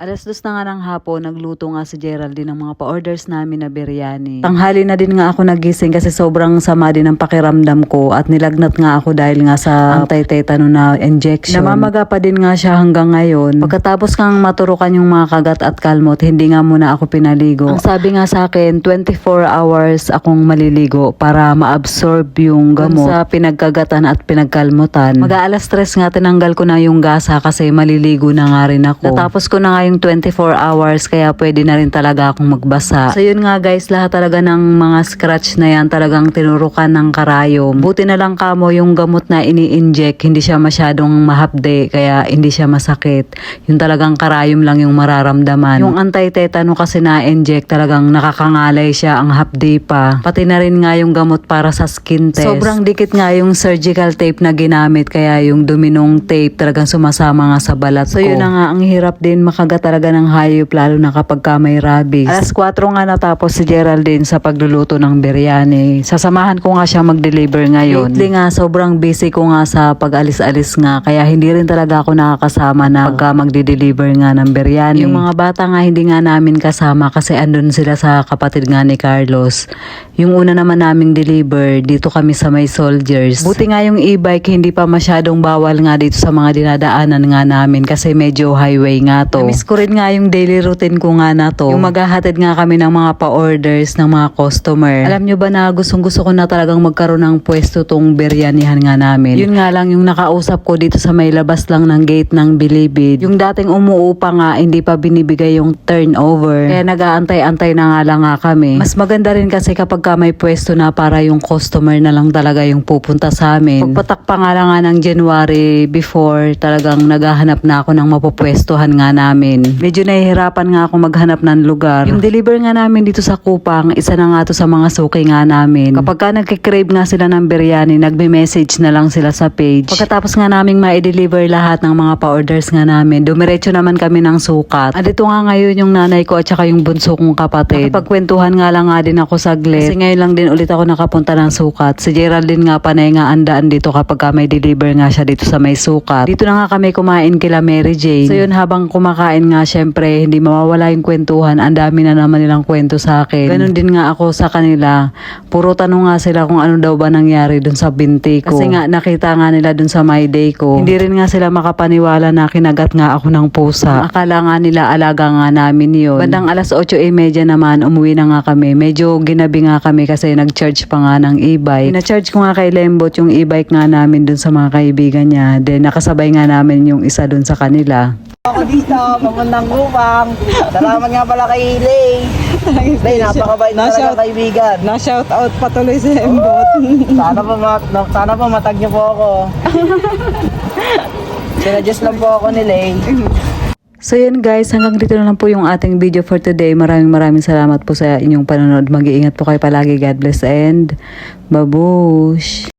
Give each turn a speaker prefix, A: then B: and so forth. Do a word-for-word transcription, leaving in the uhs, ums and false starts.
A: Alas dos na nga ng hapon, nagluto nga si Geraldine ng mga pa-orders namin na biryani. Tanghali na din nga ako nagising kasi sobrang sama din ang pakiramdam ko at nilagnat nga ako dahil nga sa anti-tetano na injection. Namamaga pa din nga siya hanggang ngayon. Pagkatapos kang maturukan yung mga kagat at kalmot, hindi nga muna ako pinaligo. Ang sabi nga sa akin, twenty-four hours akong maliligo para ma-absorb yung gamot sa pinagkagatan at pinagkalmutan. Mag-aalas tres nga tinanggal ko na yung gasa kasi maliligo na nga rin ako. Natapos ko na nga yung twenty-four hours kaya pwede na rin talaga akong magbasa. So yun nga guys, lahat talaga ng mga scratch na yan talagang tinurukan ng karayom. Buti na lang kamo yung gamot na ini-inject, hindi siya masyadong mahapde kaya hindi siya masakit. Yung talagang karayom lang yung mararamdaman. Yung anti-tetano kasi na-inject talagang nakakangalay siya, ang hapde pa. Pati na rin nga yung gamot para sa skin test. Sobrang dikit nga yung surgical tape na ginamit kaya yung duminong tape talagang sumasama nga sa balat ko. So yun na nga, ang hirap din makagat talaga ng hayop lalo na kapag ka may rabies. Alas kwatro nga natapos si Geraldine sa pagluluto ng biryani. Sasamahan ko nga siya mag-deliver ngayon. Lately nga sobrang busy ko nga sa pag-alis-alis nga kaya hindi rin talaga ako nakakasama na pagka magde-deliver nga ng biryani. Yung mga bata nga hindi nga namin kasama kasi andun sila sa kapatid nga ni Carlos. Yung una naman naming deliver dito kami sa may Soldiers. Buti nga yung e-bike hindi pa masyadong bawal nga dito sa mga dinadaanan nga namin kasi medyo highway nga to. Namiss ko rin nga yung daily routine ko nga na to. Yung maghahatid nga kami ng mga pa-orders ng mga customer. Alam nyo ba na gustong gusto ko na talagang magkaroon ng pwesto tong biryanihan nga namin. Yun nga lang yung nakausap ko dito sa may labas lang ng gate ng Bilibid. Yung dating umuupa nga hindi pa binibigay yung turnover. Kaya nag-aantay-antay na nga lang nga kami. Mas maganda rin kasi kapag ka may pwesto na para yung customer na lang talaga yung pupunta sa amin. Pagpatak pa nga lang nga ng January before, talagang naghahanap na ako ng mapupwestuhan nga namin. Medyo nahihirapan nga ako maghanap ng lugar. Yung deliver nga namin dito sa Kupang, isa na nga to sa mga suki nga namin. Kapag ka nagkikrave nga sila ng biryani, nagme-message na lang sila sa page. Pagkatapos nga naming ma-deliver lahat ng mga pa-orders nga namin, dumiretso naman kami ng sukat. At ito nga ngayon yung nanay ko at saka yung bunso kong kapatid. Nakipagkwentuhan nga lang nga din ako saglit. Kasi ngayon lang din ulit ako nakapunta ng sukat. Si Geraldine nga panay nga andaan dito kapag ka may deliver nga siya dito sa may sukat. Dito na nga kami kumain kila Mary Jane. So yun, habang kumakain nga syempre hindi mawawala yung kwentuhan. Ang dami na naman nilang kwento sa akin. Ganon din nga ako sa kanila. Puro tanong nga sila kung ano daw ba nangyari dun sa binti ko. Kasi nga nakita nga nila dun sa my day ko. Hindi rin nga sila makapaniwala na kinagat nga ako ng pusa. Akala nga nila alaga nga namin yun. Bandang alas otso e media naman umuwi na nga kami. Medyo ginabi nga kami kasi nag-charge pa nga ng e-bike. Ina-charge ko nga kay Lembot yung e-bike nga namin dun sa mga kaibigan niya. Then nakasabay nga namin yung isa dun sa kanila.
B: Ako dito, papuntang Kupang. Salamat nga pala kay Lay. Lay, napakabait talaga kaibigan.
C: Na-shout out patuloy sa Embot.
B: Sana po, mat sana po matag niyo po ako. Sinadjust lang po ako ni Lay.
A: So yun guys, hanggang dito na lang po yung ating video for today. Maraming maraming salamat po sa inyong panonood. Mag-iingat po kayo palagi. God bless and babush!